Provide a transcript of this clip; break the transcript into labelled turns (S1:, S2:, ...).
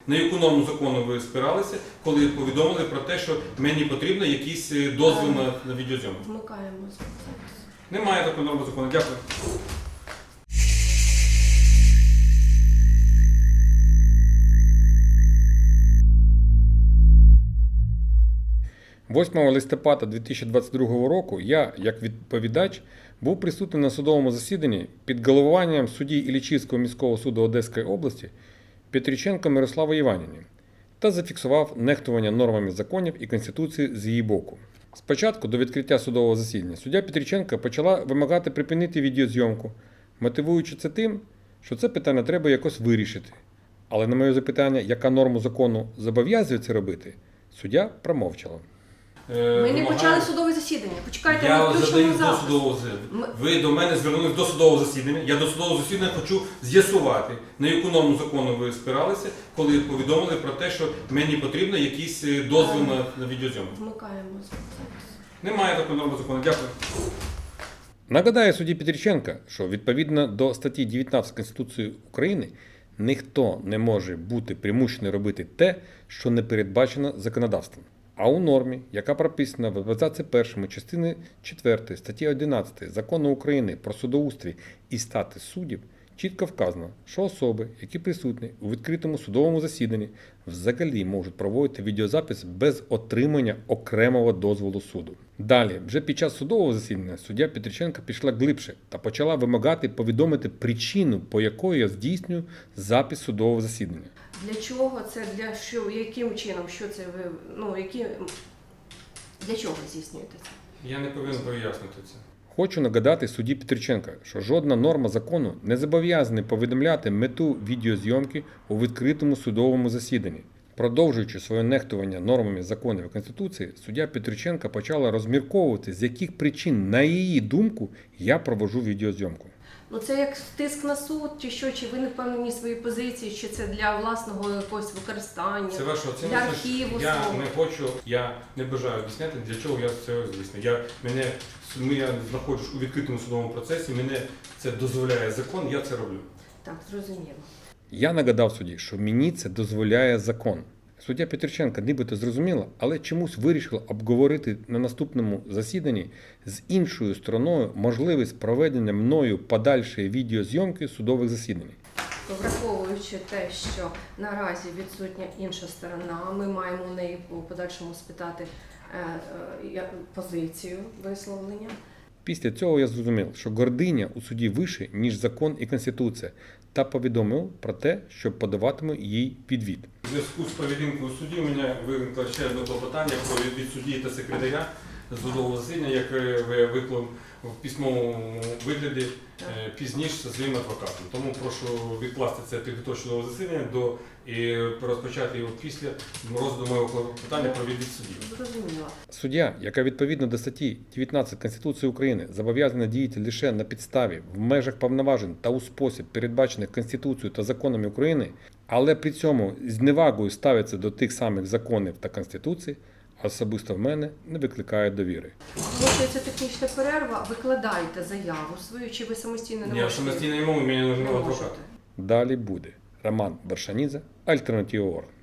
S1: На яку норму закону ви спиралися, коли повідомили про те, що мені потрібно якийсь дозвіл на відеозйомку?
S2: Вмикаємо запис.
S1: Немає такої норми закону. Дякую.
S3: «8 листопада 2022 року я, як відповідач, був присутній на судовому засіданні під головуванням судді Іллічівського міського суду Одеської області Петриченко Мирослави Іванівни та зафіксував нехтування нормами законів і Конституції з її боку. Спочатку до відкриття судового засідання суддя Петриченко почала вимагати припинити відеозйомку, мотивуючи це тим, що це питання треба якось вирішити. Але на моє запитання, яка норма закону зобов'язує це робити, суддя промовчала.
S2: Ми не почали судове засідання. Почекайте, ми
S1: Я
S2: включимо
S1: задаю до
S2: запис.
S1: судового засідання. Ви до мене звернулись до судового засідання. Я до судового засідання хочу з'ясувати, на яку норму закону ви спиралися, коли повідомили про те, що мені потрібно якийсь дозвіл на відеозйомку.
S2: Вмикаємо запис.
S1: Немає такої норми закону. Дякую.
S3: Нагадаю судді Петриченка, що відповідно до статті 19 Конституції України ніхто не може бути примушений робити те, що не передбачено законодавством. А у нормі, яка прописана в абзаці 1 частини 4 статті 11 Закону України про судоустрій і статус суддів, чітко вказано, що особи, які присутні у відкритому судовому засіданні, взагалі можуть проводити відеозапис без отримання окремого дозволу суду. Далі, вже під час судового засідання, суддя Петриченко пішла глибше та почала вимагати повідомити причину, по якої я здійснюю запис судового засідання.
S2: Для чого це, для що, яким чином, що це ви, для чого ви здійснюєте це?
S1: Я не повинен пояснити це.
S3: Хочу нагадати судді Петриченка, що жодна норма закону не зобов'язана повідомляти мету відеозйомки у відкритому судовому засіданні. Продовжуючи своє нехтування нормами законів і Конституції, суддя Петриченка почала розмірковувати, з яких причин, на її думку, я проводжу відеозйомку.
S2: Це як тиск на суд, чи що, чи ви не впевнені в своїй позиції, чи це для власного якогось використання,
S1: Це ваша оцінка.
S2: для архіву
S1: Я
S2: свого?
S1: не хочу, я не бажаю об'ясняти, для чого я це здійснюю. Я знаходжусь у відкритому судовому процесі, мене це дозволяє закон, я це роблю.
S2: Так, зрозуміло.
S3: Я нагадав судді, що мені це дозволяє закон. Суддя Петриченка нібито зрозуміла, але чомусь вирішила обговорити на наступному засіданні з іншою стороною можливість проведення мною подальшої відеозйомки судових засідань.
S2: Враховуючи те, що наразі відсутня інша сторона, ми маємо у неї у подальшому спитати позицію висловлення.
S3: Після цього я зрозумів, що гординя у суді вище, ніж закон і Конституція, та повідомив про те, що подаватиму їй відвід.
S1: У зв'язку з поведінкою судді у мене виникло ще одне клопотання про відвід судді та секретаря судового засідання, яке ви виклав в письмовому вигляді пізніше зі своїм адвокатом. Тому прошу відкласти це підготовчого засідання і розпочати його після розгляду моєго клопотання про відвід судді.
S2: Зрозуміло.
S3: Суддя, яка відповідно до статті 19 Конституції України зобов'язана діяти лише на підставі, в межах повноважень та у спосіб, передбачених Конституцією та законами України, але при цьому з невагою ставиться до тих самих законів та Конституції, особисто в мене не викликає довіри.
S2: Оголошується технічна перерва, викладайте заяву свою, чи ви самостійно не
S1: Я
S2: можете?
S1: самостійно не можу, мені
S2: Не
S1: нужен адвокат.
S2: можете.
S3: Далі буде. Роман Вершанідзе, Альтернатива.орг.